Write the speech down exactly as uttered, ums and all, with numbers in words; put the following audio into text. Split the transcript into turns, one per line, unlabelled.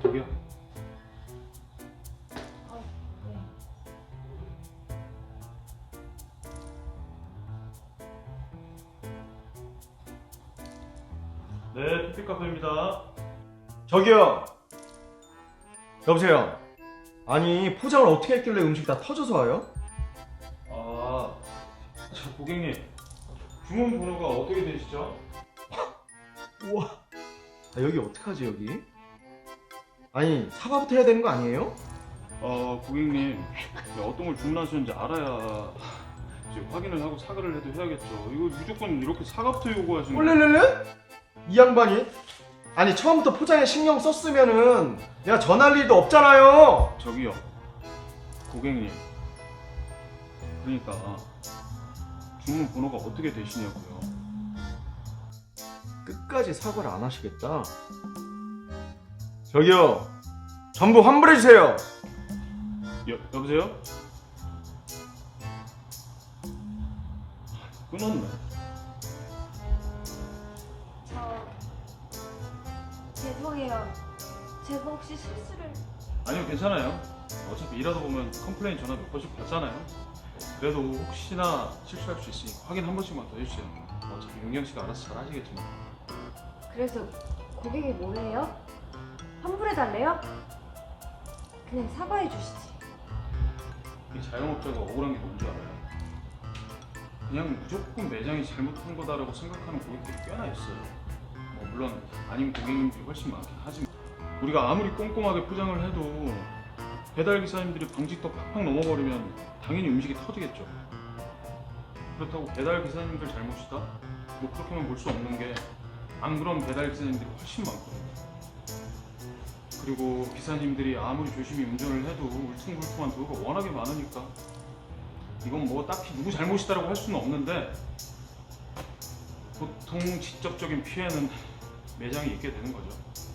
저기요.
어, 네.
네, 피피 카페입니다.
저기요. 여보세요. 아니 포장을 어떻게 했길래 음식이 다 터져서 와요?
아, 저 고객님, 주문 번호가 어떻게 되시죠?
우와. 아, 여기 어떡하지 여기? 아니 사과부터 해야 되는 거 아니에요?
어, 고객님, 어떤 걸 주문하셨는지 알아야 이제 확인을 하고 사과를 해도 해야겠죠. 이거 무조건 이렇게 사과부터 요구하시는 거예요?
올렐렐레? 이 양반이? 아니 처음부터 포장에 신경 썼으면은 내가 전할 일도 없잖아요.
저기요, 고객님. 그러니까 주문 번호가 어떻게 되시냐고요.
끝까지 사과를 안 하시겠다. 저기요. 전부 환불해 주세요.
여, 여보세요? 끊었네.
저 죄송해요. 제가 혹시 실수를
아니요, 괜찮아요. 어차피 일하다 보면 컴플레인 전화 몇 번씩 받잖아요. 그래도 혹시나 실수할 수 있으니까 확인 한 번씩만 더 해주세요. 어차피 윤경 씨가 알아서 잘 하시겠지만.
그래서 고객이 뭐래요? 환불해달래요? 그냥 사과해 주시지.
이 자영업자가 억울한 게 뭔지 알아요? 그냥 무조건 매장이 잘못한 거다라고 생각하는 고객들이 꽤나 있어요. 뭐 물론 아닌 고객님들이 훨씬 많긴 하지만 우리가 아무리 꼼꼼하게 포장을 해도 배달 기사님들이 방직턱 팍팍 넘어버리면 당연히 음식이 터지겠죠. 그렇다고 배달 기사님들 잘못이다? 뭐 그렇게만 볼 수 없는 게 안 그런 배달 기사님들이 훨씬 많거든요. 그리고 기사님들이 아무리 조심히 운전을 해도 울퉁불퉁한 도로가 워낙에 많으니까 이건 뭐 딱히 누구 잘못이다라고 할 수는 없는데 보통 직접적인 피해는 매장이 입게 되는 거죠.